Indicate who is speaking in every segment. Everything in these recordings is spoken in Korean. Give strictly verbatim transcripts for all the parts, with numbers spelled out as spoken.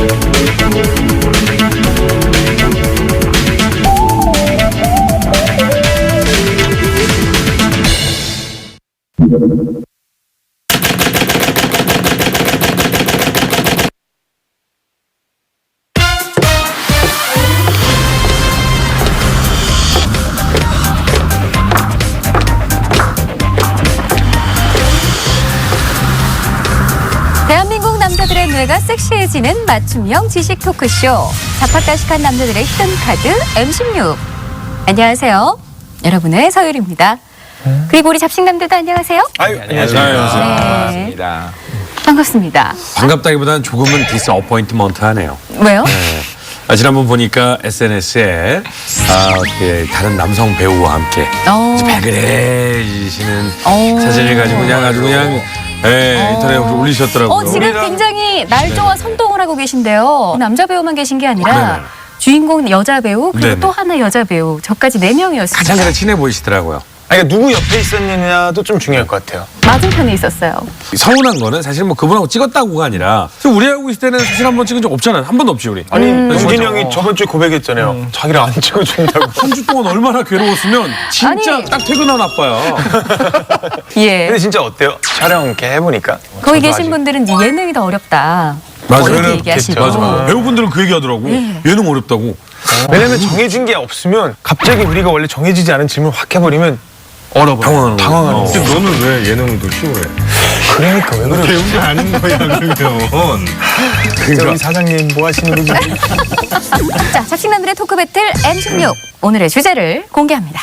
Speaker 1: 대한민국 남자들의 뇌가 섹시해지는 맞춤형 지식 토크쇼. 자팍다식한 남자들의 히든 카드 엠 십육. 안녕하세요. 여러분의 서율입니다. 그리고 우리 잡식남들도 안녕하세요.
Speaker 2: 아유,
Speaker 3: 안녕하세요.
Speaker 1: 반갑습니다. 반갑습니다.
Speaker 3: 반갑다기보다는 조금은 디스어포인트먼트하네요.
Speaker 1: 왜요?
Speaker 3: 네. 아, 지난번 보니까 에스엔에스에 아, 그 다른 남성 배우와 함께
Speaker 1: 어.
Speaker 3: 발그레지시는
Speaker 1: 어.
Speaker 3: 사진을 가지고 그냥 아주 그냥 예, 인터넷에 올리셨더라고요.
Speaker 1: 어, 지금 굉장히 날조와 선동을 하고 계신데요. 남자 배우만 계신 게 아니라
Speaker 3: 네네.
Speaker 1: 주인공 여자 배우 그리고
Speaker 3: 네네.
Speaker 1: 또 하나 여자 배우 저까지 네 명이었습니다.
Speaker 3: 가장 가장 친해 보이시더라고요.
Speaker 2: 아니, 그러니까 누구 옆에 있었느냐도 좀 중요할 것 같아요.
Speaker 1: 맞은편에 있었어요.
Speaker 3: 서운한 거는 사실 뭐 그분하고 찍었다고가 아니라 사실 우리하고 있을 때는 사실 한 번 찍은 적 없잖아요. 한 번도 없지 우리.
Speaker 2: 아니,
Speaker 3: 음.
Speaker 2: 우진 형이 저번 주에 고백했잖아요. 자기를 안 찍어준다고.
Speaker 3: 한 주 동안 얼마나 괴로웠으면 진짜
Speaker 1: 아니.
Speaker 3: 딱 퇴근한 아빠야.
Speaker 1: 예.
Speaker 2: 근데 진짜 어때요? 촬영 이렇게 해보니까.
Speaker 1: 거기
Speaker 2: 저도
Speaker 1: 계신
Speaker 2: 아직-
Speaker 1: 분들은 이제 예능이 더 어렵다.
Speaker 3: 맞아요.
Speaker 1: 이렇게
Speaker 2: 그렇겠죠.
Speaker 1: 얘기하시고.
Speaker 3: 맞아, 맞아. 배우분들은 그 얘기 하더라고.
Speaker 1: 예.
Speaker 3: 예능 어렵다고.
Speaker 2: 왜냐면 정해진 게 없으면 갑자기 우리가 원래 정해지지 않은 질문을 확 해버리면 얼어버려.
Speaker 3: 당황하는 거야.
Speaker 2: 당황하는
Speaker 3: 어.
Speaker 2: 거야.
Speaker 4: 근데 너는 왜 예능도 쉬워해?
Speaker 2: 그러니까 왜 그래?
Speaker 4: 배운 게 아닌 거야 그러면.
Speaker 2: 진짜 우리 사장님 뭐 하시는 거지?
Speaker 1: 자, 잡식남들의 토크 배틀 엠 십육. 오늘의 주제를 공개합니다.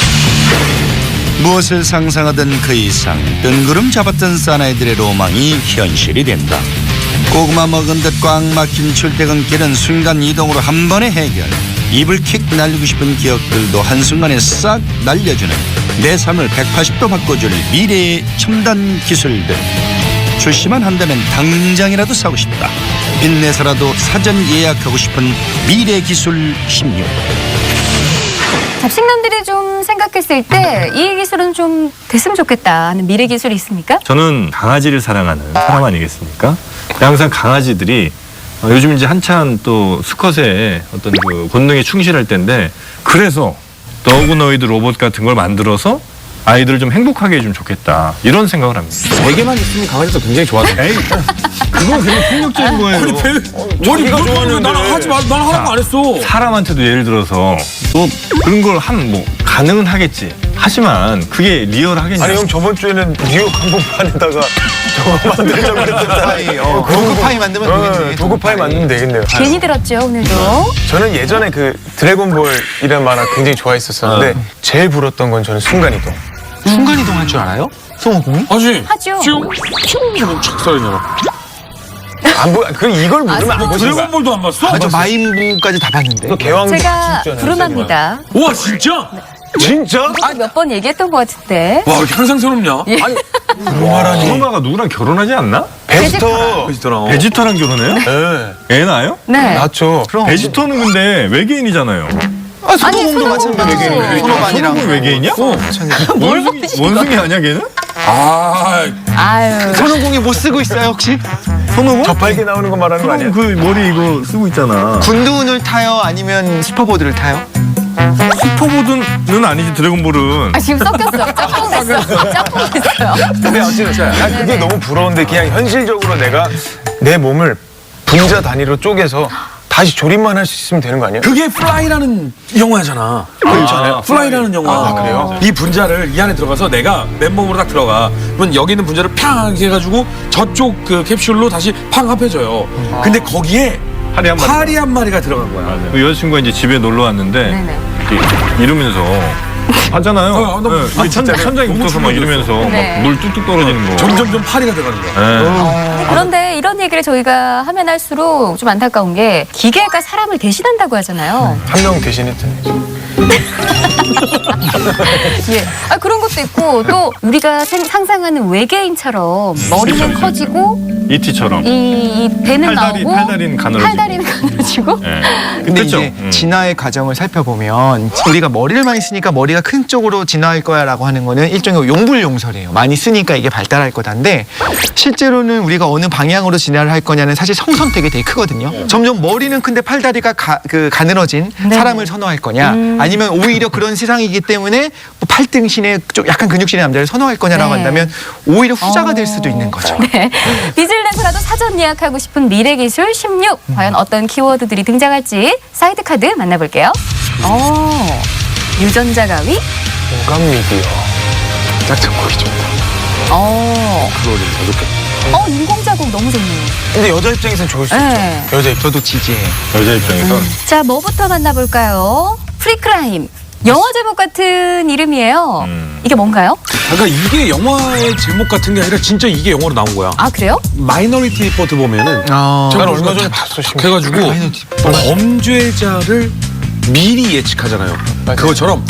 Speaker 5: 무엇을 상상하던 그 이상 뜬구름 잡았던 사나이들의 로망이 현실이 된다. 고구마 먹은 듯 꽉 막힌 출퇴근길은 순간 이동으로 한 번에 해결. 입을 킥 날리고 싶은 기억들도 한순간에 싹 날려주는 내 삶을 백팔십 도 바꿔줄 미래의 첨단 기술들. 출시만 한다면 당장이라도 사고 싶다. 빚내서라도 사전 예약하고 싶은 미래 기술 십육.
Speaker 1: 잡식남들이 좀 생각했을 때 이 기술은 좀 됐으면 좋겠다 하는 미래 기술이 있습니까?
Speaker 4: 저는 강아지를 사랑하는 사람 아니겠습니까? 항상 강아지들이 어, 요즘 이제 한참 또 수컷의 어떤 그 본능에 충실할 때인데 그래서 더그노이드 로봇 같은 걸 만들어서 아이들을 좀 행복하게 해주면 좋겠다 이런 생각을 합니다.
Speaker 3: 세 개만 있으면 강아지도 굉장히 좋아하던데.
Speaker 4: 에이, 그건 그냥 폭력적인 거예요.
Speaker 3: 아니 배 머리
Speaker 2: 자기가 좋아하는데.
Speaker 3: 나는 하지 마. 나는 하라고 안 했어.
Speaker 4: 사람한테도 예를 들어서 또 그런 걸 한 뭐 가능은 하겠지. 하지만 그게 리얼하겠냐?
Speaker 2: 아니 형 저번 주에는 뉴욕 한복판에다가 저거 만들자고 했었잖아요.
Speaker 6: 도구파이 만들면 되겠네.
Speaker 2: 도구파이 만들면 되겠네요.
Speaker 1: 괜히 들었죠, 오늘도.
Speaker 2: 저는 예전에 그 드래곤볼이라는 만화 굉장히 좋아했었었는데 제일 부러웠던 건 저는 순간이동.
Speaker 6: 순간이동 할 줄 알아요? 성우공이?
Speaker 3: 하지.
Speaker 1: 하죠.
Speaker 3: 쭉 쭉 착 썰이잖아.
Speaker 2: 안 보, 그 이걸 모르면 안 보신 거야.
Speaker 3: 드래곤볼도 안 봤어?
Speaker 6: 아, 저 마인부까지 다 봤는데.
Speaker 2: 또 개왕도
Speaker 1: 제가
Speaker 2: 진짜네.
Speaker 1: 부름합니다.
Speaker 3: 와 진짜?
Speaker 2: 진짜?
Speaker 1: 아, 몇 번 얘기했던 것 같은데.
Speaker 3: 와 이렇게 항상 새롭냐? 아니
Speaker 4: 누나가 누구랑 결혼하지 않나?
Speaker 2: 베지터.
Speaker 3: 베지터랑.
Speaker 4: 베지터랑 결혼해요?
Speaker 2: 네.
Speaker 4: 애 낳아요?
Speaker 1: 네.
Speaker 2: 맞죠.
Speaker 4: 베지터는 근데 외계인이잖아요.
Speaker 6: 아,
Speaker 1: 아니,
Speaker 6: 손오공도 마찬가지고.
Speaker 1: 손오공도.
Speaker 6: 손오공이랑.
Speaker 4: 손오공 외계인이야?
Speaker 1: 뭘
Speaker 4: 원숭이,
Speaker 1: 보시는
Speaker 4: 원숭이 아니야 걔는?
Speaker 3: 아
Speaker 1: 아유.
Speaker 6: 손오공이 뭐 쓰고 있어요 혹시?
Speaker 4: 손오공?
Speaker 2: 저팔계 나오는 거 말하는 거 아니야?
Speaker 4: 그 머리 이거 쓰고 있잖아.
Speaker 6: 군두운을 타요? 아니면 슈퍼보드를 타요?
Speaker 4: 슈퍼보드는 아니지 드래곤볼은.
Speaker 1: 아, 지금 섞였어. 짝꿍 됐어. 짝꿍 됐어요.
Speaker 2: 근데 어쨌든 난 그게 너무 부러운데 그냥 현실적으로 내가 내 몸을 분자 단위로 쪼개서 다시 조립만 할 수 있으면 되는 거 아니야?
Speaker 3: 그게 플라이라는 영화잖아.
Speaker 2: 그렇잖아요.
Speaker 3: 플라이라는 영화.
Speaker 2: 아, 그래요?
Speaker 3: 이 분자를 이 안에 들어가서 내가 맨몸으로 딱 들어가. 그러면 여기 있는 분자를 팡 이렇게 해가지고 저쪽 그 캡슐로 다시 팡 합해져요. 근데 거기에
Speaker 4: 파리 한 마리.
Speaker 3: 파리 한 마리가 들어간 거야.
Speaker 4: 그 여자친구가 이제 집에 놀러 왔는데
Speaker 1: 네네.
Speaker 4: 이렇게 이러면서 하잖아요.
Speaker 3: 어, 어, 너무-
Speaker 4: 네,
Speaker 3: 아,
Speaker 4: 천,
Speaker 3: 진짜요?
Speaker 4: 천장에
Speaker 3: 너무
Speaker 4: 붙어서 막
Speaker 3: 충격이었어.
Speaker 4: 이러면서
Speaker 1: 네.
Speaker 4: 막 물 뚝뚝 떨어지는 거.
Speaker 3: 점점점 파리가 들어가는 거야.
Speaker 4: 네.
Speaker 1: 그런데 이런 얘기를 저희가 하면 할수록 좀 안타까운 게 기계가 사람을 대신한다고 하잖아요.
Speaker 2: 한 명 대신했잖아요.
Speaker 1: 예. 아, 그런 것도 있고 또 우리가 생- 상상하는 외계인처럼 머리는 커지고
Speaker 4: 이티처럼.
Speaker 1: 이, 이 배는
Speaker 4: 팔다리,
Speaker 1: 나오고
Speaker 4: 팔다리는 가늘어지고.
Speaker 1: 팔다리는 가늘어지고 가지고.
Speaker 4: 예.
Speaker 6: 근데
Speaker 4: 그렇죠?
Speaker 6: 이제
Speaker 4: 음.
Speaker 6: 진화의 과정을 살펴보면 우리가 머리를 많이 쓰니까 머리가 큰 쪽으로 진화할 거야라고 하는 거는 일종의 용불용설이에요. 많이 쓰니까 이게 발달할 거다인데 실제로는 우리가 어느 방향으로 진화를 할 거냐는 사실 성선택이 되게 크거든요. 점점 머리는 큰데 팔다리가 가, 그 가늘어진
Speaker 1: 네.
Speaker 6: 사람을 선호할 거냐 아니면 오히려 그런 세상이기 때문에 뭐 팔등신의 좀 약간 근육신의 남자를 선호할 거냐라고
Speaker 1: 네.
Speaker 6: 한다면 오히려 후자가 될 수도 있는 거죠.
Speaker 1: 네. 빚을내서라도 사전 예약하고 싶은 미래기술 십육. 과연 어떤 키워드들이 등장할지 사이드 카드 만나볼게요. 어, 유전자 가위.
Speaker 2: 공감 미디어. 짝짝 보기 좋다.
Speaker 1: 어,
Speaker 2: 그거를 더 좋겠다.
Speaker 1: 어, 인공자국 너무 좋네요.
Speaker 2: 근데 여자 입장에서는 좋을 수
Speaker 1: 네.
Speaker 2: 있죠. 여자 입장.
Speaker 6: 저도 지지해요.
Speaker 4: 여자 입장에선
Speaker 1: 자, 뭐부터 만나볼까요? 프리크라임. 영화 제목 같은 이름이에요.
Speaker 4: 음.
Speaker 1: 이게 뭔가요?
Speaker 3: 그러니까 이게 영화의 제목 같은 게 아니라 진짜 이게 영화로 나온 거야.
Speaker 1: 아, 그래요?
Speaker 3: 마이너리티 리포트 보면은
Speaker 6: 어...
Speaker 2: 난 얼마 전에 봤어.
Speaker 3: 탁 해가지고
Speaker 6: 마이너리티
Speaker 3: 범죄자를 미리 예측하잖아요. 그것처럼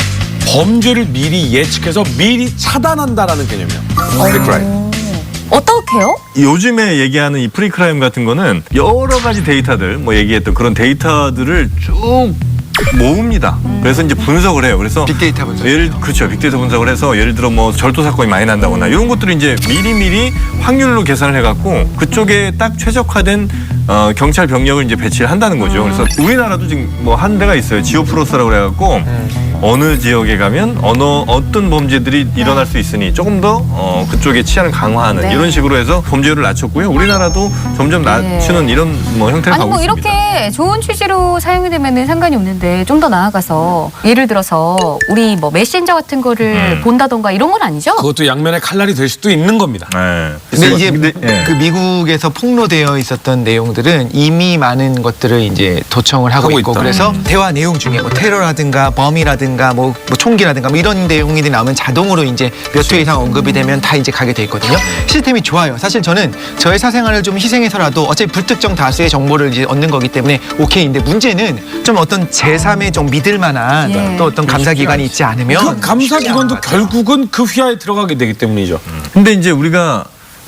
Speaker 3: 범죄를 미리 예측해서 미리 차단한다라는 개념이야. 프리크라임.
Speaker 1: 어떻게요?
Speaker 4: 요즘에 얘기하는 이 프리크라임 같은 거는 여러 가지 데이터들, 뭐 얘기했던 그런 데이터들을 쭉 모읍니다. 그래서 이제 분석을 해요. 그래서
Speaker 6: 빅데이터 분석.
Speaker 4: 예를 그렇죠. 빅데이터 분석을 해서 예를 들어 뭐 절도 사건이 많이 난다거나 이런 것들을 이제 미리미리 확률로 계산을 해갖고 그쪽에 딱 최적화된 어, 경찰 병력을 이제 배치를 한다는 거죠. 그래서 우리나라도 지금 뭐 한 데가 있어요. 지오프로스라고 그래갖고 어느 지역에 가면 어느 어떤 범죄들이 일어날 수 있으니 조금 더 어, 그쪽의 치안을 강화하는
Speaker 1: 네.
Speaker 4: 이런 식으로 해서 범죄율을 낮췄고요. 우리나라도 점점 낮추는 이런 뭐 형태를
Speaker 1: 아니
Speaker 4: 가고
Speaker 1: 뭐
Speaker 4: 있습니다.
Speaker 1: 이렇게 좋은 취지로 사용이 되면 상관이 없는데 좀 더 나아가서 예를 들어서 우리 뭐 메신저 같은 거를
Speaker 4: 음.
Speaker 1: 본다던가 이런 건 아니죠?
Speaker 3: 그것도 양면의 칼날이 될 수도 있는 겁니다.
Speaker 4: 네.
Speaker 6: 근데 이제
Speaker 4: 근데, 예.
Speaker 6: 그 미국에서 폭로되어 있었던 내용들은 이미 많은 것들을 이제 도청을 하고,
Speaker 3: 하고
Speaker 6: 있고
Speaker 3: 있다.
Speaker 6: 그래서
Speaker 4: 음.
Speaker 6: 대화 내용 중에 뭐 테러라든가 범이라든가 뭐, 뭐 총기라든가 뭐 이런 내용이 나오면 자동으로 이제 몇 회 이상 언급이 되면 다 이제 가게 돼 있거든요. 시스템이 좋아요. 사실 저는 저의 사생활을 좀 희생해서라도 어차피 불특정 다수의 정보를 이제 얻는 거기 때문에 오케이인데 문제는 좀 어떤 제삼의 좀 믿을 만한
Speaker 1: 예.
Speaker 6: 또 어떤 감사기관이 있지 않으면
Speaker 3: 그 감사기관도 결국은 그 휘하에 들어가게 되기 때문이죠.
Speaker 4: 근데 이제 우리가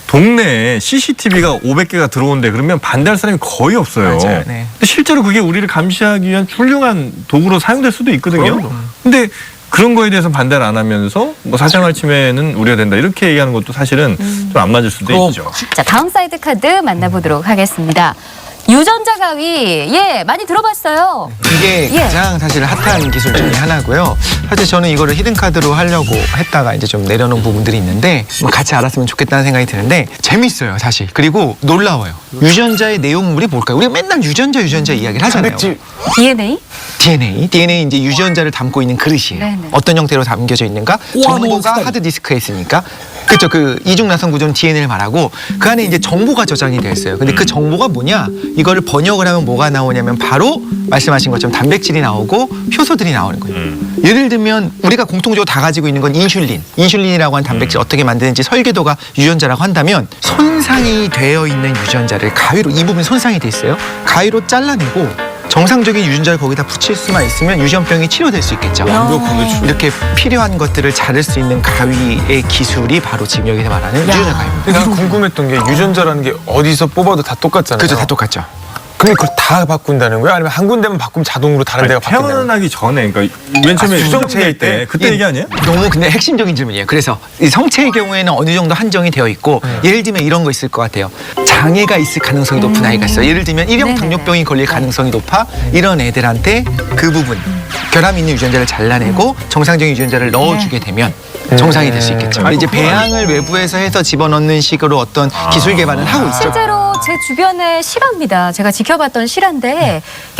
Speaker 4: 동네에 씨씨티비가 오백 개가 들어온대 그러면 반대할 사람이 거의 없어요.
Speaker 6: 맞아요. 네.
Speaker 4: 근데 실제로 그게 우리를 감시하기 위한 훌륭한 도구로 사용될 수도 있거든요.
Speaker 6: 그럼요.
Speaker 4: 근데 그런 거에 대해서 반대를 안 하면서 뭐 사생활 침해는 우려된다 이렇게 얘기하는 것도 사실은 좀 안 맞을 수도
Speaker 3: 그럼.
Speaker 4: 있죠.
Speaker 1: 자, 다음 사이드 카드 만나보도록 하겠습니다. 유전자 가위. 예, 많이 들어봤어요.
Speaker 6: 이게
Speaker 1: 예.
Speaker 6: 가장 사실 핫한 기술 중에 하나고요. 사실 저는 이거를 히든카드로 하려고 했다가 이제 좀 내려놓은 부분들이 있는데 뭐 같이 알았으면 좋겠다는 생각이 드는데 재밌어요 사실. 그리고 놀라워요. 유전자의 내용물이 뭘까요? 우리가 맨날 유전자 유전자 이야기를 하잖아요.
Speaker 2: 단백질.
Speaker 1: 디엔에이?
Speaker 6: 디엔에이. 디엔에이 이제 유전자를 담고 있는 그릇이에요.
Speaker 1: 네네.
Speaker 6: 어떤 형태로 담겨져 있는가?
Speaker 3: 꼬아놓은
Speaker 6: 정보가
Speaker 3: 스타일.
Speaker 6: 하드디스크에 있으니까. 그렇죠. 그 이중나선 구조는 디엔에이를 말하고 그 안에 이제 정보가 저장이 되어 있어요. 근데 그 정보가 뭐냐? 이거를 번역을 하면 뭐가 나오냐면 바로 말씀하신 것처럼 단백질이 나오고 효소들이 나오는 거예요.
Speaker 4: 음.
Speaker 6: 예를 들면 우리가 공통적으로 다 가지고 있는 건 인슐린. 인슐린이라고 하는 단백질 어떻게 만드는지 설계도가 유전자라고 한다면 손상이 되어 있는 유전자를 가위로 이 부분 손상이 돼 있어요. 가위로 잘라내고 정상적인 유전자를 거기다 붙일 수만 있으면 유전병이 치료될 수 있겠죠.
Speaker 3: 완벽하게 주-
Speaker 6: 이렇게 필요한 것들을 자를 수 있는 가위의 기술이 바로 지금 여기서 말하는 유전자 가위입니다.
Speaker 2: 근데 난 궁금했던 게 유전자라는 게 어디서 뽑아도 다 똑같잖아요.
Speaker 6: 그렇죠, 다 똑같죠.
Speaker 2: 근데 그걸 다 바꾼다는 거야? 아니면 한 군데만 바꾸면 자동으로 다른 데가 바뀐다는 거야?
Speaker 4: 태어나기 전에 그러니까 맨 처음에
Speaker 2: 아,
Speaker 4: 수정체일
Speaker 2: 수정체일
Speaker 4: 때
Speaker 2: 때?
Speaker 4: 그때
Speaker 6: 예.
Speaker 4: 얘기 아니에요?
Speaker 6: 너무 근데 핵심적인 질문이에요. 그래서 이 성체의 경우에는 어느 정도 한정이 되어 있고 예를 들면 이런 거 있을 것 같아요. 장애가 있을 가능성이 높은 아이가 있어요. 예를 들면 일형
Speaker 1: 네네네.
Speaker 6: 당뇨병이 걸릴 가능성이 높아 이런 애들한테 그 부분 결함 있는 유전자를 잘라내고 정상적인 유전자를 넣어주게 되면 정상이 될 수 있겠죠. 근데 이제 배양을 외부에서 해서 집어넣는 식으로 어떤 기술 개발은 하고 있죠.
Speaker 1: 실제로 제 주변의 실화입니다. 제가 지켜봤던 실화인데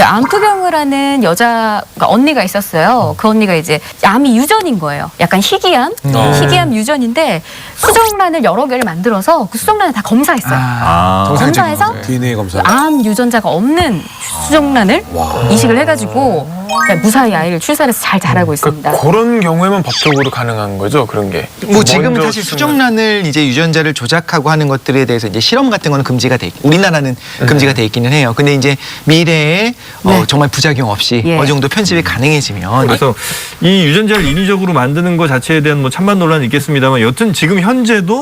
Speaker 1: 암투병을 하는 여자가 언니가 있었어요. 그 언니가 이제 암이 유전인 거예요. 약간 희귀암, 희귀암 유전인데 수정란을 여러 개를 만들어서 그 수정란을 다 검사했어요.
Speaker 6: 아, 정상적인
Speaker 1: 검사해서
Speaker 6: 거죠.
Speaker 3: 디엔에이 검사.
Speaker 1: 암 유전자가 없는 수정란을 이식을 해가지고 그냥 무사히 아이를 출산해서 잘 자라고 있습니다.
Speaker 2: 그러니까 그런 경우에만 법적으로 가능한 거죠, 그런 게.
Speaker 6: 뭐 지금은
Speaker 2: 먼저
Speaker 6: 사실
Speaker 2: 수정을-
Speaker 6: 수정란을 이제 유전자를 조작하고 하는 것들에 대해서 이제 실험 같은 거는 금지가 돼 있, 우리나라는 금지가 돼 있기는 해요. 근데 이제 미래에 어, 정말 부작용 없이
Speaker 1: 예.
Speaker 6: 어느 정도 편집이 가능해지면
Speaker 4: 그래서 이 유전자를 인위적으로 만드는 것 자체에 대한 뭐 찬반 논란이 있겠습니다만 여튼 지금 현재도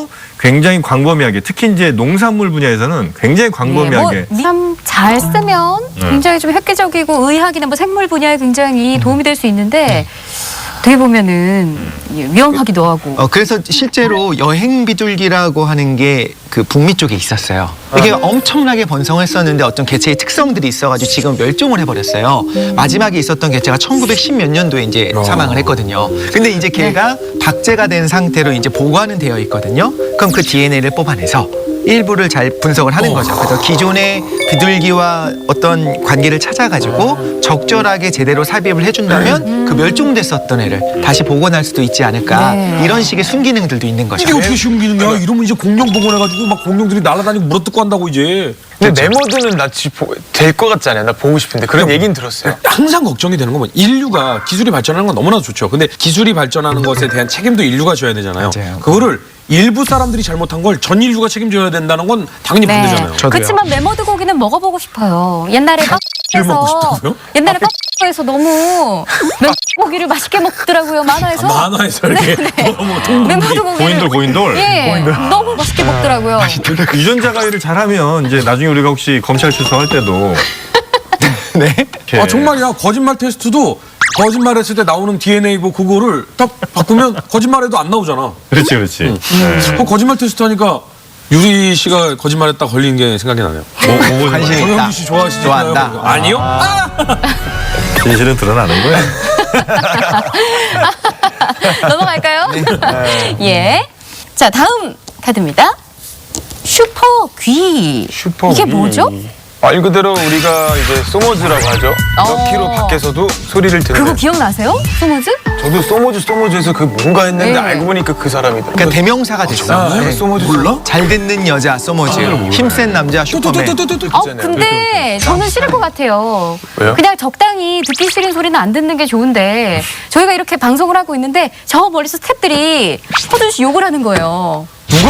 Speaker 4: 굉장히 광범위하게 특히 이제 농산물 분야에서는 굉장히 광범위하게
Speaker 1: 뭐 참 잘 쓰면 굉장히 좀 획기적이고 의학이나 뭐 생물 분야에 굉장히 도움이 될 수 있는데 어떻게 보면은 위험하기도 하고.
Speaker 6: 어, 그래서 실제로 여행 비둘기라고 하는 게 그 북미 쪽에 있었어요. 이게 엄청나게 번성했었는데 어떤 개체의 특성들이 있어가지고 지금 멸종을 해버렸어요. 마지막에 있었던 개체가 천구백십 몇 년도에 이제 사망을 했거든요. 근데 이제 걔가 박제가 된 상태로 이제 보관은 되어 있거든요. 그럼 그 디엔에이를 뽑아내서 일부를 잘 분석을 하는 거죠. 그래서 기존의 비둘기와 어떤 관계를 찾아가지고 적절하게 제대로 삽입을 해준다면 그 멸종됐었던 애를 다시 복원할 수도 있지 않을까.
Speaker 1: 네.
Speaker 6: 이런 식의 순기능들도 있는 거죠.
Speaker 3: 이게 어떻게 쉬운 기능이야? 이러면 이제 공룡 복원해가지고 막 공룡들이 날아다니고 물어뜯고 한다고 이제.
Speaker 2: 근데 메모드는 나지 될 것 같지 않아요? 나 보고 싶은데 그런 얘기는 들었어요.
Speaker 3: 항상 걱정이 되는 건 인류가 기술이 발전하는 건 너무나 좋죠. 근데 기술이 발전하는 것에 대한 책임도 인류가 져야 되잖아요.
Speaker 6: 맞아요.
Speaker 3: 그거를 일부 사람들이 잘못한 걸 전 인류가 책임져야 된다는 건 당연히 반대잖아요.
Speaker 6: 저도요.
Speaker 1: 그렇지만 메머드 고기는 먹어보고 싶어요. 옛날에
Speaker 3: 를 먹고
Speaker 1: 빡에서
Speaker 3: 싶다고요?
Speaker 1: 옛날에 빡에서 너무 메머드 고기를 맛있게 먹더라고요. 만화에서.
Speaker 3: 아, 만화에서 이렇게 뭐, 뭐 동물이.
Speaker 1: 메머드 고기를
Speaker 4: 고인돌 고인돌
Speaker 1: 예, 너무 맛있게 먹더라고요.
Speaker 4: 유전자 가위를 잘하면 이제 나중에 우리가 혹시 검찰 출석할 때도
Speaker 6: 네.
Speaker 4: 이렇게
Speaker 3: 아 정말이야. 거짓말 테스트도 거짓말했을 때 나오는 디엔에이고 그거를 딱 바꾸면 거짓말해도 안 나오잖아.
Speaker 4: 그렇지 그렇지 네.
Speaker 3: 그 거짓말 테스트 하니까 유리 씨가 거짓말했다 걸린 게 생각이 나네요.
Speaker 4: 뭐, 뭐,
Speaker 6: 관심이 있다.
Speaker 3: 정영주 씨 좋아하시잖아요.
Speaker 6: 좋아한다.
Speaker 3: 아니요?
Speaker 4: 진실은 드러나는 거야.
Speaker 1: 넘어갈까요? 예. 자, 다음 카드입니다. 슈퍼 귀.
Speaker 2: 슈퍼
Speaker 1: 이게
Speaker 2: 귀.
Speaker 1: 뭐죠?
Speaker 2: 말 그대로 우리가 이제 소모즈라고 하죠.
Speaker 1: 어.
Speaker 2: 몇 킬로 밖에서도 소리를
Speaker 1: 그거
Speaker 2: 듣는.
Speaker 1: 기억나세요? 소모즈?
Speaker 2: 저도 소모즈 소모즈에서 그 뭔가 했는데
Speaker 1: 네.
Speaker 2: 알고 보니까 그 사람이더라고요.
Speaker 6: 그러니까 대명사가 됐어요.
Speaker 2: 아,
Speaker 6: 네.
Speaker 2: 소모즈
Speaker 3: 몰라?
Speaker 6: 잘 듣는 여자 소모즈, 힘센 남자 슈퍼맨.
Speaker 3: 뚜뚜뚜뚜뚜뚜.
Speaker 1: 어, 근데 저는 싫을 것 같아요.
Speaker 2: 왜요?
Speaker 1: 그냥 적당히 듣기 싫은 소리는 안 듣는 게 좋은데 저희가 이렇게 방송을 하고 있는데 저 멀리서 스태프들이 허준 씨 욕을 하는 거예요.
Speaker 3: 누가?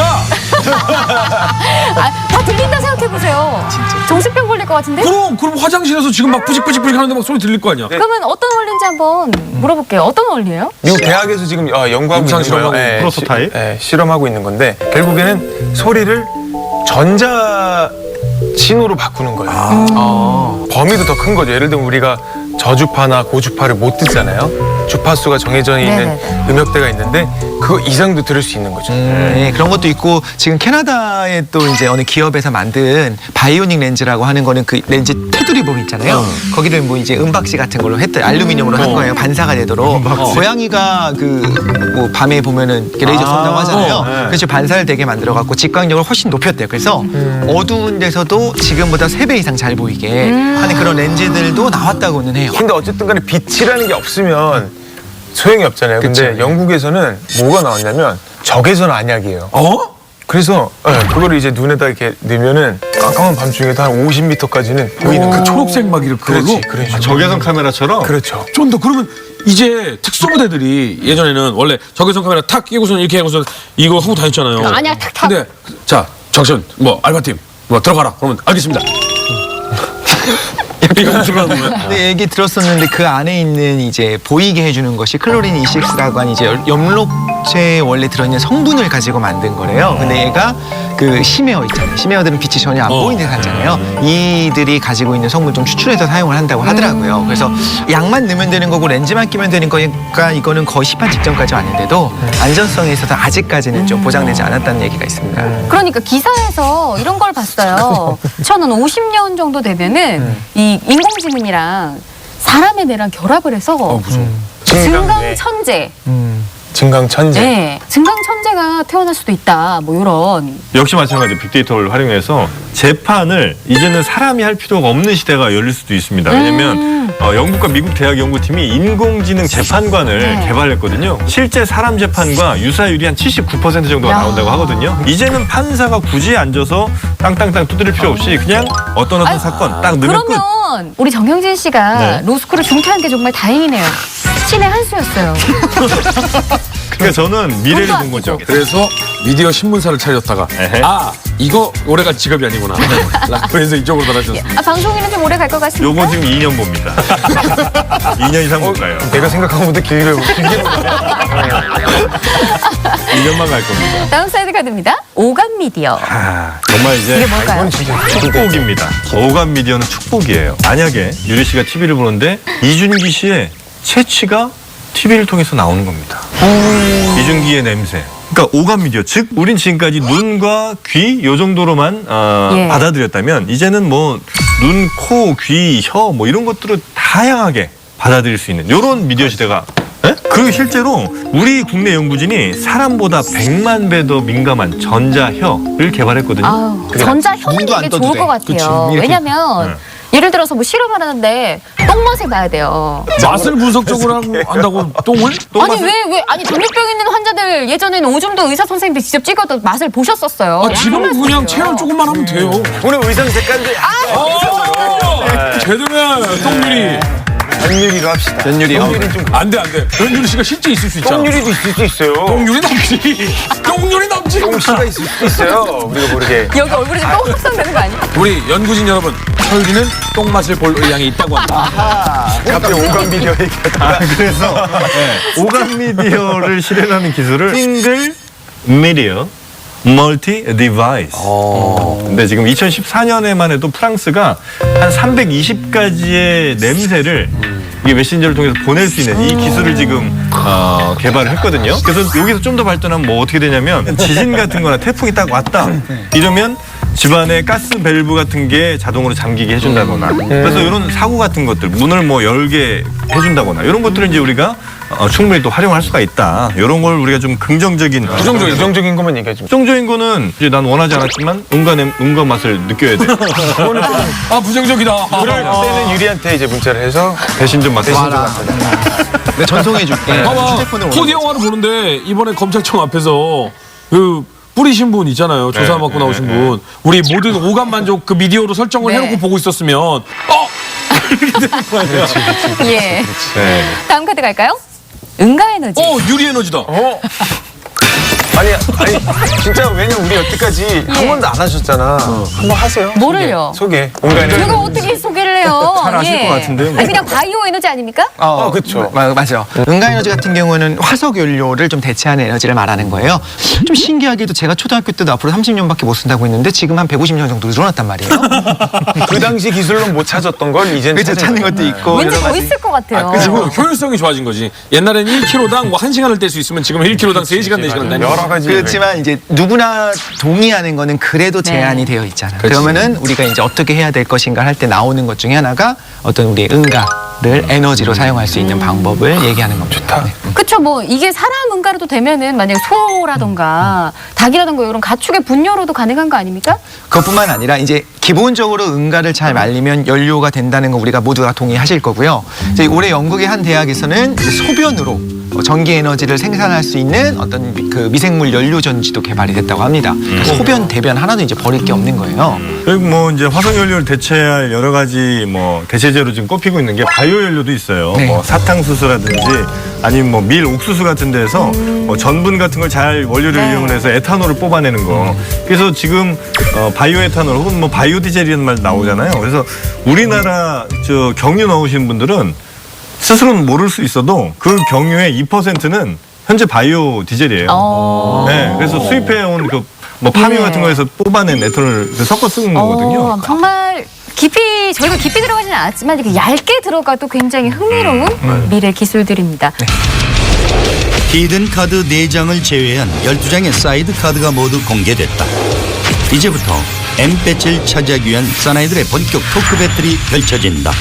Speaker 1: 아, 다 들린다 생각해 보세요.
Speaker 6: 진짜.
Speaker 1: 정신병 걸릴 것 같은데?
Speaker 3: 그럼 그럼 화장실에서 지금 막 뿌직뿌직 하는데 막 소리 들릴 거 아니야.
Speaker 1: 그러면 어떤 원리인지 한번 물어볼게요. 어떤 원리예요?
Speaker 2: 미국 대학에서 지금 어, 연구하고
Speaker 3: 임상
Speaker 2: 있는 거예요.
Speaker 3: 실험하고
Speaker 2: 예,
Speaker 4: 프로토타입?
Speaker 2: 시- 예, 실험하고 있는 건데 결국에는 소리를 전자 신호로 바꾸는 거예요.
Speaker 6: 어.
Speaker 2: 범위도 더 큰 거죠. 예를 들면 우리가 저주파나 고주파를 못 듣잖아요. 주파수가 정해져 있는
Speaker 1: 네네네.
Speaker 2: 음역대가 있는데 그거 이상도 들을 수 있는 거죠.
Speaker 6: 음, 네, 그런 것도 있고 지금 캐나다의 또 이제 어느 기업에서 만든 바이오닉 렌즈라고 하는 거는 그 렌즈 테두리 부분 있잖아요. 거기를 뭐 이제 은박지 같은 걸로 했대 알루미늄으로 한 거예요. 반사가 되도록. 고양이가 그 뭐 밤에 보면은 이렇게 레이저 쏜다고 하잖아요.
Speaker 2: 어, 네.
Speaker 6: 그래서 반사를 되게 만들어 갖고 직광력을 훨씬 높였대요. 그래서 어두운 데서도 지금보다 세 배 이상 잘 보이게 하는 그런 렌즈들도 나왔다고는 해요.
Speaker 2: 근데 어쨌든 간에 빛이라는 게 없으면 소용이 없잖아요. 근데
Speaker 6: 그쵸.
Speaker 2: 영국에서는 뭐가 나왔냐면 적외선 안약이에요.
Speaker 3: 어?
Speaker 2: 그래서 예, 그거를 이제 눈에다 이렇게 넣으면은 깜깜한 밤중에도 한 오십 미터까지는 보이는
Speaker 3: 그
Speaker 2: 그
Speaker 3: 초록색 막 이렇게 그걸로?
Speaker 2: 그렇지, 그런 식으로.
Speaker 4: 적외선 카메라처럼
Speaker 2: 그렇죠.
Speaker 3: 쫀다. 그러면 이제 특수부대들이 예전에는 원래 적외선 카메라 탁 끼고서 이렇게 하고서 이거 하고 다녔잖아요.
Speaker 1: 아니야, 탁탁.
Speaker 3: 근데 자 정션 뭐 알바팀 뭐 들어가라. 그러면 알겠습니다. 이거 들어가는 거야.
Speaker 6: 근데 얘기 들었었는데 그 안에 있는 이제 보이게 해주는 것이 클로린 이십육라고 하는 이제 엽록체에 원래 들어있는 성분을 가지고 만든 거래요. 근데 얘가 그 심해어 있잖아요. 심해어들은 빛이 전혀 안
Speaker 3: 어.
Speaker 6: 보이는 데 살잖아요. 이들이 가지고 있는 성분 좀 추출해서 사용을 한다고 하더라고요. 그래서 약만 넣으면 되는 거고 렌즈만 끼면 되는 거니까 이거는 거의 시판 직전까지 왔는데도 안전성에 있어서 아직까지는 좀 보장되지 않았다는 얘기가 있습니다.
Speaker 1: 그러니까 기사에서 이런 걸 봤어요. 저는 오십 년 정도 되면은 이 인공지능이랑 사람의 뇌랑 결합을 해서
Speaker 3: 무서워.
Speaker 1: 증강천재,
Speaker 6: 음.
Speaker 2: 증강천재.
Speaker 1: 네, 증강천재가 태어날 수도 있다. 뭐 이런.
Speaker 4: 역시 마찬가지 빅데이터를 활용해서 재판을 이제는 사람이 할 필요가 없는 시대가 열릴 수도 있습니다. 왜냐면
Speaker 1: 음.
Speaker 4: 어, 영국과 미국 대학 연구팀이 인공지능 재판관을
Speaker 1: 네.
Speaker 4: 개발했거든요. 실제 사람 재판과 유사율이 한 칠십구 퍼센트 정도가
Speaker 1: 야.
Speaker 4: 나온다고 하거든요. 이제는 판사가 굳이 앉아서 땅땅땅 두드릴 필요 없이 그냥 어떤 어떤
Speaker 1: 아유,
Speaker 4: 사건 딱 넣으면 끝.
Speaker 1: 그러면 우리 정영진 씨가
Speaker 4: 네.
Speaker 1: 로스쿨을 중퇴한 게 정말 다행이네요. 신의 한 수였어요.
Speaker 4: 그러니까 저는 미래를 본 거죠.
Speaker 3: 그래서 미디어 신문사를 차렸다가
Speaker 4: 에헤.
Speaker 3: 아 이거 오래갈 직업이 아니구나. 라고 해서 이쪽으로 달아졌어요.
Speaker 1: 아, 방송인은 좀 오래 갈 것 같습니다.
Speaker 4: 요거 지금 이 년 봅니다. 이 년 이상 못 가요.
Speaker 2: 내가 생각한 것보다 길게 길게 보네.
Speaker 4: 이 년만 갈 겁니다.
Speaker 1: 다음 사이드 카드입니다. 오감 미디어.
Speaker 4: 아, 정말 이제
Speaker 1: 이게 뭘까요?
Speaker 4: 축복입니다. 오감 미디어는 축복이에요. 만약에 유리 씨가 티비를 보는데 이준기 씨의 채취가 티비를 통해서 나오는 겁니다. 이준기의 냄새. 그러니까 오감 미디어, 즉 우린 지금까지 눈과 귀 요 정도로만 어,
Speaker 1: 예.
Speaker 4: 받아들였다면 이제는 뭐 눈, 코, 귀, 혀 뭐 이런 것들을 다양하게 받아들일 수 있는 이런 미디어 시대가. 예? 그리고 실제로 우리 국내 연구진이 사람보다 백만 배 더 민감한 전자혀를 개발했거든요.
Speaker 1: 아우, 전자현이
Speaker 6: 눈도 안
Speaker 1: 되게
Speaker 6: 떠도
Speaker 1: 좋을
Speaker 6: 돼.
Speaker 1: 것 같아요.
Speaker 6: 그치, 이렇게.
Speaker 1: 왜냐면
Speaker 4: 네.
Speaker 1: 예를 들어서 뭐 실험을 하는데 똥맛을 봐야 돼요.
Speaker 3: 맛을 분석적으로 하고 한다고 똥을?
Speaker 1: 아니 왜 왜 아니 당뇨병 있는 환자들 예전에는 오줌도 의사 선생님들 직접 찍어도 맛을 보셨었어요.
Speaker 3: 아, 지금은 그냥 체열 조금만 하면 돼요.
Speaker 2: 오늘 의상 색깔도
Speaker 3: 아, 제대로야 똥유리.
Speaker 2: 전유리로 합시다.
Speaker 6: 전유리.
Speaker 2: 전유리 좀
Speaker 3: 안돼 안돼. 변유리 씨가 실제 있을 수 있잖아.
Speaker 2: 똥유리도 있을 수 있어요.
Speaker 3: 똥유리 남지. 똥유리 남지.
Speaker 2: 똥씨가 있을 수도 있어요. 우리가 모르게.
Speaker 1: 여기 얼굴에 좀 똥 확산되는 거 아니야?
Speaker 3: 우리 연구진 여러분, 설기는 똥맛을 볼 의향이 있다고 합니다.
Speaker 2: 갑자기 오감 비디오 얘기하다가
Speaker 4: 아, 그래서 네, 오감 미디어를 실현하는 기술을 싱글 미디어 멀티 디바이스. 근데 지금 이천십사 년에만 해도 프랑스가 한 삼백이십 가지의 냄새를 이 메신저를 통해서 보낼 수 있는 이 기술을 지금 어, 개발을 했거든요. 그래서 여기서 좀 더 발전하면 뭐 어떻게 되냐면 지진 같은 거나 태풍이 딱 왔다 이러면 집안에 가스 밸브 같은 게 자동으로 잠기게 해준다거나 그래서 이런 사고 같은 것들 문을 뭐 열게 해준다거나 이런 것들을 이제 우리가 어, 충분히 또 활용할 수가 있다. 이런 걸 우리가 좀 긍정적인
Speaker 2: 부정적인 부정적인 것만 얘기해 좀.
Speaker 4: 부정적인 거는 이제 난 원하지 않았지만 음과 냄, 음과 맛을 느껴야 돼.
Speaker 3: 아 부정적이다.
Speaker 2: 그럴 때는 유리한테 이제 문자를 해서
Speaker 4: 대신 좀 맡으시죠.
Speaker 6: 내가 전송해줄게.
Speaker 3: 봐봐.
Speaker 6: 휴대폰으로
Speaker 3: 코디 영화를 보는데 이번에 검찰청 앞에서 그 뿌리신 분 있잖아요. 조사 받고 나오신 분. 우리 모든 오감 만족 그 미디어로 설정을
Speaker 1: 네.
Speaker 3: 해놓고 보고 있었으면 어 이렇게 되는 거 아니야?
Speaker 1: 예.
Speaker 4: 네.
Speaker 1: 다음 카드 갈까요? 응가 에너지.
Speaker 3: 어 유리 에너지다.
Speaker 2: 어? 아니, 아니, 진짜 왜냐면 우리 여태까지 한 번도 안 하셨잖아. 한번 하세요.
Speaker 1: 뭐를요?
Speaker 2: 소개. 온가에
Speaker 1: 제가 어떻게 소개를 해요?
Speaker 4: 잘 아실 것 같은데요, 뭐.
Speaker 1: 아니, 그냥 바이오 에너지 아닙니까?
Speaker 6: 어,
Speaker 2: 어, 그쵸.
Speaker 6: 마, 맞아요. 응가 에너지 같은 경우는 화석 연료를 좀 대체하는 에너지를 말하는 거예요. 좀 신기하게도 제가 초등학교 때도 앞으로 삼십 년밖에 못 쓴다고 했는데 지금 한 백오십 년 정도 늘어났단 말이에요.
Speaker 2: 그 당시 기술로 못 찾았던 걸 이젠
Speaker 6: 그래서 찾는 것도 있고
Speaker 1: 왠지
Speaker 6: 여러
Speaker 1: 더
Speaker 6: 가지.
Speaker 1: 있을 것 같아요.
Speaker 3: 그리고 효율성이 좋아진 거지. 옛날에는 일 킬로그램당 뭐 한 시간을 뗄 수 있으면 지금 일 킬로그램당 세 시간 네 시간 다니는
Speaker 2: 여러 가지.
Speaker 6: 그렇지만 이제 누구나 동의하는 거는 그래도 제한이 되어 있잖아. 그러면은 우리가 이제 어떻게 해야 될 것인가 할 때 나오는 것 중에 하나가 어떤 우리의 응가를 에너지로 사용할 수 있는 방법을 얘기하는 겁니다. 좋다.
Speaker 1: 그쵸, 뭐, 이게 사람 응가로도 되면은 만약에 소라던가 닭이라던가 이런 가축의 분뇨로도 가능한 거 아닙니까?
Speaker 6: 그것뿐만 아니라 이제 기본적으로 응가를 잘 말리면 연료가 된다는 거 우리가 모두가 동의하실 거고요. 이제 올해 영국의 한 대학에서는 이제 소변으로 전기 에너지를 생산할 수 있는 어떤 미, 그 미생물 연료 전지도 개발이 됐다고 합니다. 그러니까 소변, 대변 하나도 이제 버릴 게 없는 거예요.
Speaker 4: 그리고 뭐 이제 화석 연료를 대체할 여러 가지 뭐 대체제로 지금 꼽히고 있는 게 바이오 연료도 있어요.
Speaker 6: 네.
Speaker 4: 뭐 사탕수수라든지 아니면 뭐 밀 옥수수 같은 데서 뭐 전분 같은 걸 잘 원료를
Speaker 1: 네.
Speaker 4: 이용해서 에탄올을 뽑아내는 거. 그래서 지금 어 바이오 에탄올 혹은 뭐 바이오 디젤이라는 말 나오잖아요. 그래서 우리나라 저 경유 넣으신 분들은 스스로는 모를 수 있어도 그 경유의 이 퍼센트는 현재 바이오 디젤이에요.
Speaker 1: 어.
Speaker 4: 네, 그래서 수입해온 그 뭐 파미
Speaker 1: 네.
Speaker 4: 같은 거에서 뽑아낸 에탄올을 섞어 쓰는 거거든요.
Speaker 1: 어, 정말 깊이, 저희가 깊이 들어가지는 않았지만 이렇게 얇게 들어가도 굉장히 흥미로운 미래 기술들입니다.
Speaker 5: 히든 카드 네 장을 제외한 열두 장의 사이드 카드가 모두 공개됐다. 이제부터 M 배치를 차지하기 위한 사나이들의 본격 토크 배틀이 펼쳐진다.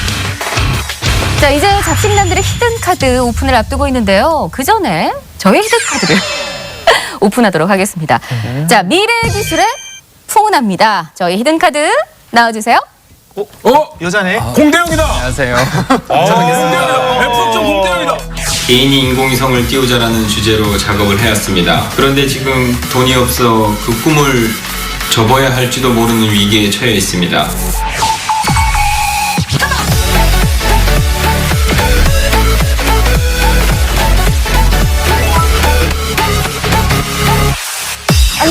Speaker 1: 자, 이제 잡식남들의 히든 카드 오픈을 앞두고 있는데요. 그 전에 저희 히든 카드를 오픈하도록 하겠습니다. 자, 미래 기술의 풍운합니다. 저희 히든 카드 나와주세요.
Speaker 3: 어
Speaker 6: 여자네.
Speaker 3: 공대영이다.
Speaker 6: 안녕하세요.
Speaker 3: 공대영이다. 백 퍼센트 공대영이다.
Speaker 7: 개인이 인공위성을 띄우자라는 주제로 작업을 해왔습니다. 그런데 지금 돈이 없어 그 꿈을 접어야 할지도 모르는 위기에 처해 있습니다.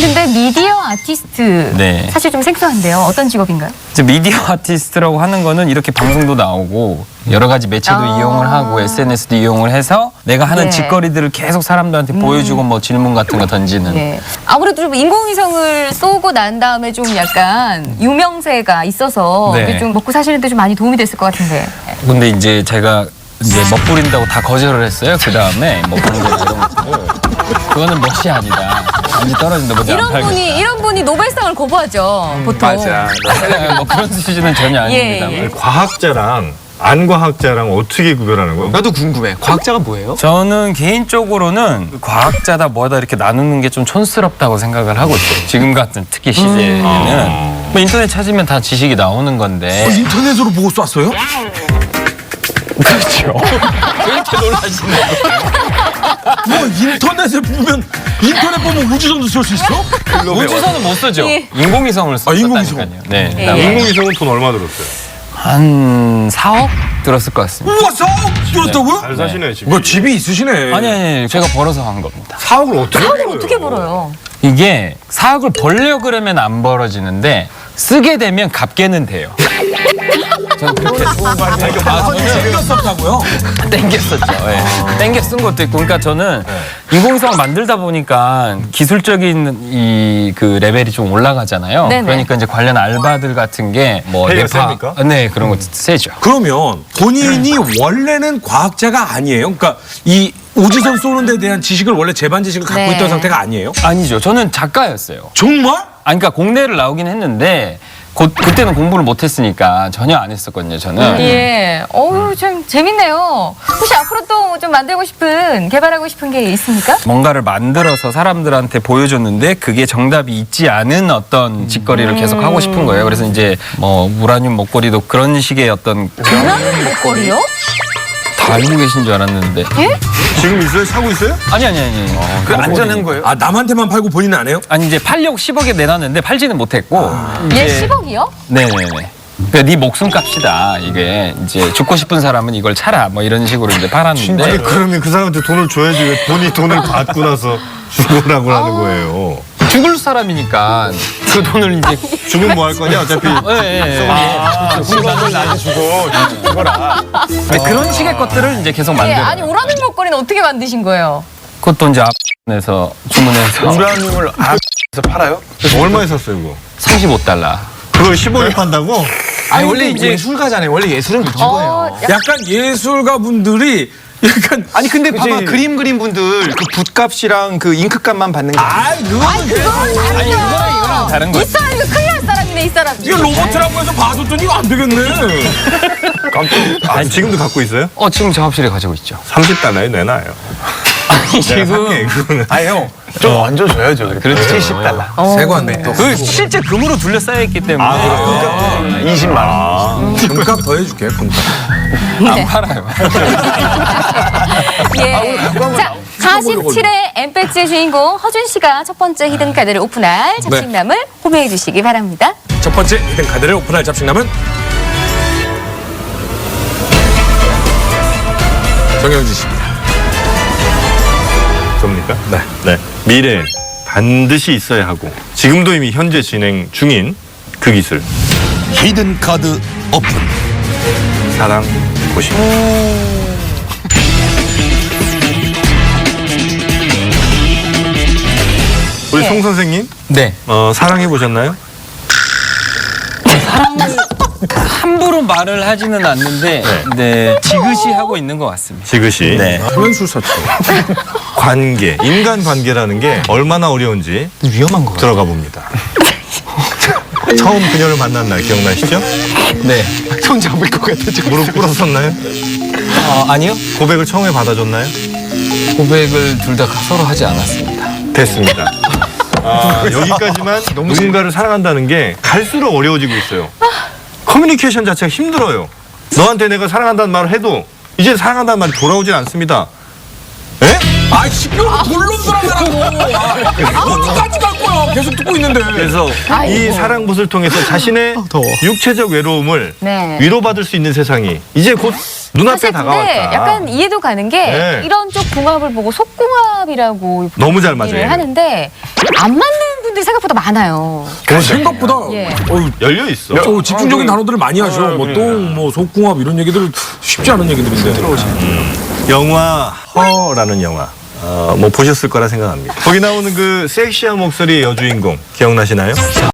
Speaker 1: 근데 미디어 아티스트
Speaker 8: 네.
Speaker 1: 사실 좀 생소한데요. 어떤 직업인가요?
Speaker 8: 이제 미디어 아티스트라고 하는 거는 이렇게 방송도 나오고 여러 가지 매체도
Speaker 1: 아.
Speaker 8: 이용을 하고 에스엔에스도 이용을 해서 내가 하는
Speaker 1: 네.
Speaker 8: 짓거리들을 계속 사람들한테 보여주고 뭐 질문 같은 거 던지는.
Speaker 1: 네. 아무래도 좀 인공위성을 쏘고 난 다음에 좀 약간 유명세가 있어서
Speaker 8: 네.
Speaker 1: 이게 좀 먹고 사시는데 좀 많이 도움이 됐을 것 같은데.
Speaker 8: 근데 이제 제가 이제 멋부린다고 다 거절을 했어요. 그 다음에 뭐 그런 거 이런 것들. 그거는 멋이 아니다. 완전 떨어진다. 뭐안
Speaker 1: 이런
Speaker 8: 팔고.
Speaker 1: 분이 이런 분이 노벨상을 거부하죠. 보통.
Speaker 2: 맞아.
Speaker 8: 네, 뭐 그런 수준은 전혀
Speaker 1: 예,
Speaker 8: 아닙니다.
Speaker 1: 예.
Speaker 4: 과학자랑 안 과학자랑 어떻게 구별하는 거예요?
Speaker 6: 나도 궁금해. 과학자가 뭐예요?
Speaker 8: 저는 개인적으로는 과학자다 뭐다 이렇게 나누는 게 좀 촌스럽다고 생각을 하고 있어요. 지금 같은 특히 시대에는 뭐 인터넷 찾으면 다 지식이 나오는 건데.
Speaker 3: 인터넷으로 보고 쐈어요?
Speaker 8: 그렇죠. 왜 이렇게 놀라시는
Speaker 3: 뭐 인터넷에 보면 인터넷 보면 우주선도 쏠 수 있어?
Speaker 8: 우주선은 못 쓰죠.
Speaker 1: 예.
Speaker 8: 인공위성을
Speaker 3: 아, 인공위성.
Speaker 8: 썼다니까요. 네.
Speaker 1: 예.
Speaker 8: 그다음에
Speaker 4: 인공위성은 돈 얼마 들었어요?
Speaker 8: 한 사억 들었을 것 같습니다.
Speaker 3: 우와 사억 들었다고요?
Speaker 4: 잘 사시네 집이.
Speaker 3: 뭐 집이 있으시네.
Speaker 8: 아니 아니 제가 벌어서 한 겁니다.
Speaker 4: 사억을 어떻게
Speaker 1: 사업을
Speaker 4: 벌어요?
Speaker 1: 어떻게 벌어요?
Speaker 8: 이게 사억을 벌려 그러면 안 벌어지는데 쓰게 되면 갚게는 돼요. 저는 그렇게
Speaker 3: 생겼었다고요?
Speaker 8: 땡겼었죠. 예. 땡겨 쓴 것도 있고, 그러니까 저는 인공위성을 만들다 보니까 기술적인 이 그 레벨이 좀 올라가잖아요.
Speaker 1: 네네.
Speaker 8: 그러니까 이제 관련 알바들 같은 게뭐
Speaker 4: 페이가 셉니까?
Speaker 8: 네 그런 거 세죠.
Speaker 3: 그러면 본인이 원래는 과학자가 아니에요? 그러니까 이 우주선 쏘는 데 대한 지식을 원래 재반 지식을 갖고
Speaker 1: 네.
Speaker 3: 있던 상태가 아니에요?
Speaker 8: 아니죠. 저는 작가였어요.
Speaker 3: 정말?
Speaker 8: 아니, 그러니까 공대를 나오긴 했는데 곧 그때는 공부를 못했으니까 전혀 안 했었거든요. 저는.
Speaker 1: 예. 어우, 참 재밌네요. 혹시 앞으로 또 좀 만들고 싶은, 개발하고 싶은 게 있습니까?
Speaker 8: 뭔가를 만들어서 사람들한테 보여줬는데 그게 정답이 있지 않은 어떤 짓거리를 계속 하고 싶은 거예요. 그래서 이제 뭐 우라늄 목걸이도 그런 식의 어떤
Speaker 1: 우라늄 목걸이요?
Speaker 8: 다 알고 계신 줄 알았는데.
Speaker 4: 지금 있어요? 사고 있어요?
Speaker 8: 아니 아니 아니.
Speaker 2: 그 안전한 거예요?
Speaker 3: 아 남한테만 팔고 본인은 안 해요?
Speaker 8: 아니 이제 팔려고 십억에 내놨는데 팔지는 못했고.
Speaker 1: 얘
Speaker 8: 이제-
Speaker 1: 십억이요?
Speaker 8: 네네네. 그러니까 네 목숨값이다. 이게 이제 죽고 싶은 사람은 이걸 차라. 뭐 이런 식으로 이제 팔았는데.
Speaker 4: 아니 그러면 그 사람한테 돈을 줘야지 왜 본인이 돈을 받고 나서 죽으라고 하는 거예요.
Speaker 8: 죽을 사람이니까 그 돈을 이제.
Speaker 4: 죽으면 뭐 할 거냐 어차피.
Speaker 8: 예, 예, 예.
Speaker 2: 십억을 나한테 주고 죽어라.
Speaker 8: 네, 그런 식의 것들을 이제 계속
Speaker 1: 예.
Speaker 8: 만들어요.
Speaker 1: 아니, 우라늄 목걸이는 어떻게 만드신 거예요?
Speaker 8: 그것도 이제 앞에서 주문해서
Speaker 2: 우라늄을 아에서 팔아요?
Speaker 4: 얼마에 샀어요 그거?
Speaker 8: 삼십오 달러.
Speaker 4: 그걸 십억에 판다고?
Speaker 6: 아니, 원래
Speaker 8: 근데 이제-
Speaker 6: 예술가잖아요. 원래 예술은 그런
Speaker 1: 어,
Speaker 6: 거예요.
Speaker 1: 약-
Speaker 3: 약간 예술가 분들이 약간
Speaker 6: 아니 근데 봐봐
Speaker 2: 그치.
Speaker 6: 그림 그린 분들 그 붓값이랑 그 잉크값만 받는 게 아니에요.
Speaker 3: 아 그거는
Speaker 8: 아니 이거랑 이거랑 다른
Speaker 1: 이
Speaker 8: 거예요.
Speaker 1: 사람이 큰일 날 사람이네, 이 사람.
Speaker 3: 이게 로봇이라고 해서 봐줬더니 이거 안 되겠네.
Speaker 4: 아 지금도 갖고 있어요?
Speaker 8: 어 지금 작업실에 가지고 있죠.
Speaker 4: 삼십 달러에 내놔요.
Speaker 8: 아니
Speaker 4: 내가 살게
Speaker 8: 지금
Speaker 4: 그거는.
Speaker 2: 아니 형, 좀 얹어줘야죠.
Speaker 8: 그렇죠.
Speaker 2: 칠십 달러.
Speaker 3: 세관 또
Speaker 8: 그 실제 금으로 둘러싸여 있기 때문에
Speaker 2: 이십만 원.
Speaker 3: 금값 더 해줄게 금값.
Speaker 8: 안 팔아요.
Speaker 1: 예. 자, 사십칠 회 엠팩트의 주인공 허준 씨가 첫 번째 히든 카드를 오픈할 잡식남을 호명해 주시기 바랍니다.
Speaker 3: 첫 번째 히든 카드를 오픈할 잡식남은 정영진 씨입니다.
Speaker 4: 접니까? 네. 네. 미래 반드시 있어야 하고 지금도 이미 현재 진행 중인 그 기술
Speaker 5: 히든 카드 오픈.
Speaker 4: 사랑 고심. 우리
Speaker 1: 네.
Speaker 4: 송 선생님
Speaker 8: 네.
Speaker 4: 어, 사랑해 보셨나요?
Speaker 8: 함부로 말을 하지는 않는데 네. 지그시 하고 있는 것 같습니다.
Speaker 4: 지그시.
Speaker 8: 네.
Speaker 3: 소면술사죠.
Speaker 4: 관계, 인간 관계라는 게 얼마나 어려운지
Speaker 6: 위험한 거 같아요.
Speaker 4: 들어가 봅니다. 처음 그녀를 만난 날 기억나시죠?
Speaker 8: 네.
Speaker 6: 손 잡을 것 같아 지금.
Speaker 4: 무릎 꿇었었나요?
Speaker 8: 어, 아니요.
Speaker 4: 고백을 처음에 받아줬나요?
Speaker 8: 고백을 둘 다 서로 하지 않았습니다.
Speaker 4: 됐습니다. 아, 여기까지만 누군가를 사랑한다는 게 갈수록 어려워지고 있어요. 커뮤니케이션 자체가 힘들어요. 너한테 내가 사랑한다는 말을 해도 이제 사랑한다는 말이 돌아오질 않습니다. 에?
Speaker 3: 아 시끄러워 돌놈들 하느라고. 어디까지 갈 거야? 계속 듣고 있는데.
Speaker 4: 그래서 이 사랑봇을 통해서 자신의
Speaker 6: 더워.
Speaker 4: 육체적 외로움을
Speaker 1: 네.
Speaker 4: 위로받을 수 있는 세상이 이제 곧 눈앞에
Speaker 1: 사실 근데
Speaker 4: 다가왔다.
Speaker 1: 약간 이해도 가는 게
Speaker 4: 네.
Speaker 1: 이런 쪽 궁합을 보고 속궁합이라고
Speaker 4: 너무 잘
Speaker 1: 얘기를
Speaker 4: 맞아요.
Speaker 1: 하는데 안 맞는 분들이 생각보다 많아요.
Speaker 3: 어, 생각보다
Speaker 1: 예.
Speaker 3: 어우,
Speaker 4: 열려 있어.
Speaker 3: 어, 집중적인
Speaker 2: 아,
Speaker 3: 단어들을 많이 하셔. 뭐 똥, 뭐 속궁합 이런 얘기들 쉽지 않은 얘기들인데.
Speaker 4: 영화 허라는 영화. 어, 뭐 보셨을 거라 생각합니다. 거기 나오는 그 섹시한 목소리의 여주인공 기억나시나요?